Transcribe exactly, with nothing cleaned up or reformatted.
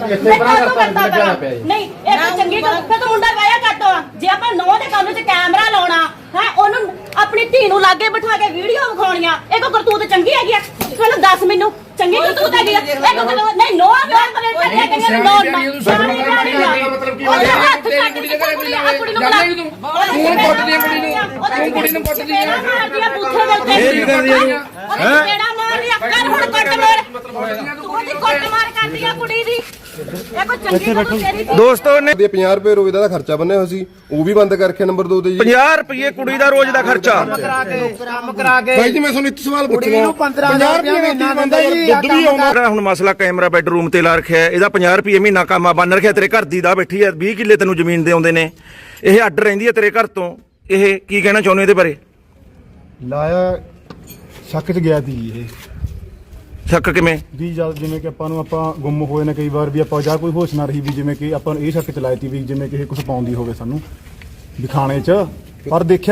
ਇੱਥੇ ਬਣਾ ਕਰਤਾ ਲੱਗਿਆ ਪਿਆ ਜੀ ਨਹੀਂ ਇਹ ਤਾਂ ਚੰਗੀ ਗੱਲ ਫਿਰ ਤੂੰ ਮੁੰਡਾ ਵਿਆਹ ਕੱਟੋ ਜੇ ਆਪਾਂ ਨੌ ਦੇ ਕੰਮ 'ਚ ਕੈਮਰਾ ਲਾਉਣਾ ਹੈ ਉਹਨੂੰ ਆਪਣੀ ਧੀ ਨੂੰ ਲਾਗੇ ਬਿਠਾ ਕੇ ਵੀਡੀਓ ਵਿਖਾਉਣੀਆਂ ਇਹ ਕੋ ਕਰਤੂਤ ਚੰਗੀ ਹੈਗੀ ਆ ਚਲੋ ਦੱਸ ਮੈਨੂੰ ਚੰਗੀ ਕਰਤੂਤ ਹੈਗੀ ਆ ਇਹ ਕੋ ਨਹੀਂ ਨੋ ਵਿਆਹ ਕਰੇ ਕਰਿਆ ਕਰਿਆ ਨੋ ਮਤਲਬ ਕੀ ਹੋਇਆ ਤੇਰੀ ਕੁੜੀ ਦੇ ਘਰੇ ਕੋਈ ਲਾਵੇ ਜਾਂਦੇ ਤੂੰ ਤੂੰ ਕੁੱਟਦੀ ਕੁੜੀ ਨੂੰ ਤੂੰ ਕੁੜੀ ਨੂੰ ਕੁੱਟਦੀ ਆ ਇਹ ਕਰਦੀ ਹੈ ਕਿਹੜਾ ਮਾਰ ਲਿਆ ਕਰ ਹੁਣ ਕੱਟ ਮਾਰ ਤੂੰ ਉਹਦੀ ਕੁੱਟ ਮਾਰ ਕਰਦੀ ਆ ਕੁੜੀ ਦੀ ਇਹ ਕੋ ਚੰਗੀ ਗੱਲ ਤੇਰੀ ਦੋਸਤੋ ਨੇ ਪੰਜਾਹ ਰੁਪਏ ਰੋਜ਼ ਦਾ ਖਰਚਾ ਬੰਨਿਆ ਹੋਇਆ ਸੀ ਉਹ ਵੀ ਬੰਦ ਕਰਕੇ ਨੰਬਰ ਦੋ ਤੇ ਜੀ ਪੰਜਾਹ ਰੁਪਏ ਕੁੜੀ ਦਾ ਰੋਜ਼ ਦਾ ਖਰਚਾ ਕੰਮ ਕਰਾ ਕੇ ਬਾਈ ਜੀ ਮੈਂ ਤੁਹਾਨੂੰ ਇੱਕ ਸਵਾਲ ਪੁੱਛਣਾ ਪੰਜਾਹ ਰੁਪਏ ਮਹੀਨਾ ਦਿੰਦਾ ਜੀ ਦੁੱਧ ਵੀ ਆਉਂਦਾ ਜਿਹੜਾ ਹੁਣ ਮਸਲਾ ਕੈਮਰਾ ਬੈਡਰੂਮ ਤੇ ਲਾ ਰੱਖਿਆ ਇਹਦਾ ਪੰਜਾਹ ਰੁਪਏ ਮਹੀਨਾ ਕੰਮ ਆ ਬੰਨ ਰੱਖਿਆ ਤੇਰੇ ਘਰ ਦੀ ਦਾ ਬੈਠੀ ਹੈ ਵੀਹ ਕਿੱਲੇ ਤੈਨੂੰ ਜ਼ਮੀਨ ਦੇ ਆਉਂਦੇ ਨੇ ਇਹ ਅੱਡ ਰਹਿੰਦੀ ਹੈ ਤੇਰੇ ਘਰ ਤੋਂ ਇਹ ਕੀ ਕਹਿਣਾ ਚਾਹੁੰਦੇ ਇਹਦੇ ਬਾਰੇ ਲਾਇਆ ਸ਼ੱਕ 'ਚ ਗਿਆ ਸੀ ਇਹ ਸ਼ੱਕ ਕਿਵੇਂ ਵੀ ਜਦ ਜਿਵੇਂ ਕਿ ਆਪਾਂ ਨੂੰ ਆਪਾਂ ਗੁੰਮ ਹੋਏ ਨੇ ਕਈ ਵਾਰ ਵੀ ਆਪਾਂ ਜਾਂ ਕੋਈ ਹੋਸ਼ ਨਾ ਰਹੀ ਵੀ ਜਿਵੇਂ ਕਿ ਆਪਾਂ ਨੂੰ ਇਹ ਸ਼ੱਕ ਚ ਲਾਈ ਤੀ ਵੀ ਜਿਵੇਂ ਕਿ ਇਹ ਕੁਝ ਪਾਉਂਦੀ ਹੋਵੇ ਸਾਨੂੰ ਦਿਖਾਣੇ 'ਚ ਪਰ ਦੇਖਿਆ